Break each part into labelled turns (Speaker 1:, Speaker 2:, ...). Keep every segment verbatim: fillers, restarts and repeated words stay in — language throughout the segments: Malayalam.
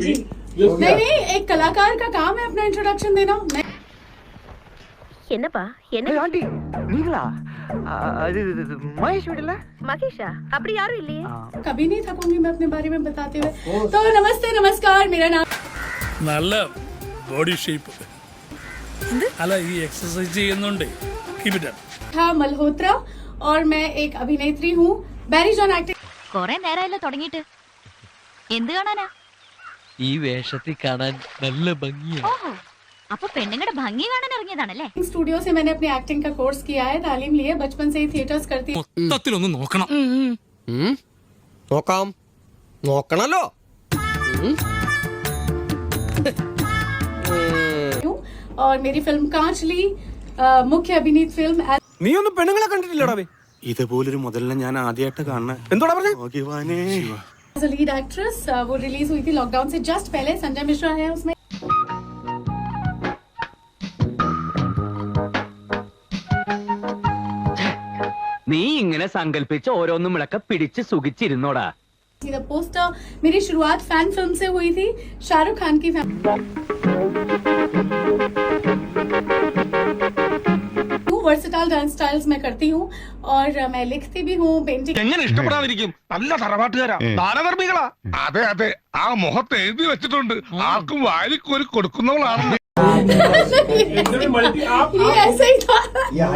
Speaker 1: जी नहीं नहीं एक कलाकार का काम है अपना इंट्रोडक्शन देना।
Speaker 2: என்னப்பா என்ன
Speaker 3: ஆண்டி நீங்களா அது மகேஷ் வீடுல
Speaker 2: மகேஷா அப்படி யாரும் இல்லையே
Speaker 1: कभी नहीं थकूंगी मैं अपने बारे में बताते हुए। तो नमस्ते नमस्कार, मेरा नाम
Speaker 4: നല്ല ബോഡി ഷേപ്പ് അല്ല ഈ എക്സസൈസ് ചെയ്യുന്നുണ്ട് കീപ് ഇറ്റ്
Speaker 1: था मल्होत्रा और मैं एक अभिनेत्री हूँ। बैरी जॉन एक्टिंग
Speaker 2: കൊറേ നേരമല്ല തുടങ്ങിയിട്ട് എന്ത് കാണാനാ?
Speaker 5: ഈ വേഷത്തിൽ കാണാൻ നല്ല ഭംഗിയാ.
Speaker 2: ഓഹോ, അപ്പൊ പെണ്ണുങ്ങളുടെ ഭംഗി കാണാൻ ഇറങ്ങിയതാണല്ലേ?
Speaker 1: स्टूडियो से मैंने अपनी एक्टिंग का कोर्स किया है, तालीम ली है, बचपन से ही थिएटर्स करती
Speaker 4: മൊത്തത്തിലൊന്ന് നോക്കണം.
Speaker 6: നോക്കാം, നോക്കണല്ലോ.
Speaker 1: हूँ और मेरी फिल्म कांचली मुख्य अभिनीत फिल्म
Speaker 6: നീ ഒന്നും പെണ്ണുങ്ങളെ കണ്ടിട്ടില്ലടാ?
Speaker 7: ഇതുപോലൊരു മുതലിനെ ഞാൻ ആദ്യമായിട്ട് കാണുന്നത്.
Speaker 6: എന്തോടാ പറഞ്ഞേ?
Speaker 1: As a lead actress. वो रिलीज हुई थी लॉकडाउन से जस्ट पहले। संजय मिश्रा है उसमें।
Speaker 3: നീ ഇങ്ങനെ സങ്കല്പിച്ച് ഓരോന്നും വിളക്ക പിടിച്ച് സുഖിച്ചിരുന്നോടാ.
Speaker 1: द पोस्टर मेरी शुरुआत फैन फिल्म से हुई थी, शाहरुख खान की फैन। वर्सेटाइल डांस स्टाइल्स मैं करती हूँ और मैं लिखती भी हूँ, पेंटिंग।
Speaker 8: എങ്ങനെ ഇഷ്ടപ്പെടാതിരിക്കും? നല്ല തറവാട്ടുകാരാ, ദാനധർമ്മികളാ. അതെ അതെ, ആ മുഖത്ത് എഴുതി വെച്ചിട്ടുണ്ട്, ആർക്കും വാരിക്കോരി കൊടുക്കുന്നവളാണ്.
Speaker 1: ये ऐसे ही था।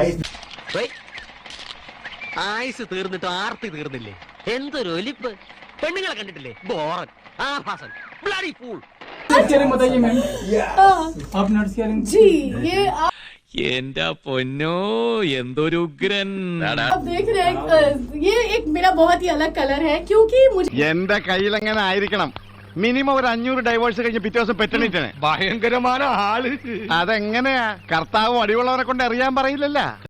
Speaker 5: ആയുസ് തീർന്നിട്ട് ആർത്തി തീർന്നില്ലേ? എന്തൊരു ഒലിപ്പ്! പെണ്ണുങ്ങളെ കണ്ടിട്ടില്ലേ? ബോറൻ, ആഭാസൻ, ബ്ലഡി ഫൂൾ.
Speaker 1: जी ये आप
Speaker 5: എന്റെ പൊന്നോ, എന്തൊരു ഉഗ്രൻ!
Speaker 1: आप देख रहे हैं, ये एक मेरा बहुत ही अलग कलर है क्योंकि मुझे
Speaker 8: എന്റെ കയ്യിൽ എങ്ങനെ ആയിരിക്കണം? മിനിമം ഒരു അഞ്ഞൂറ് ഡൈവേഴ്സ് കഴിഞ്ഞ് പിറ്റേ ദിവസം പെറ്റണിട്ടാണ്. ഭയങ്കരമായ ആള്. അതെങ്ങനെയാ? കർത്താവ് അടിയുള്ളവരെ കൊണ്ട് അറിയാൻ പറയില്ലല്ലോ.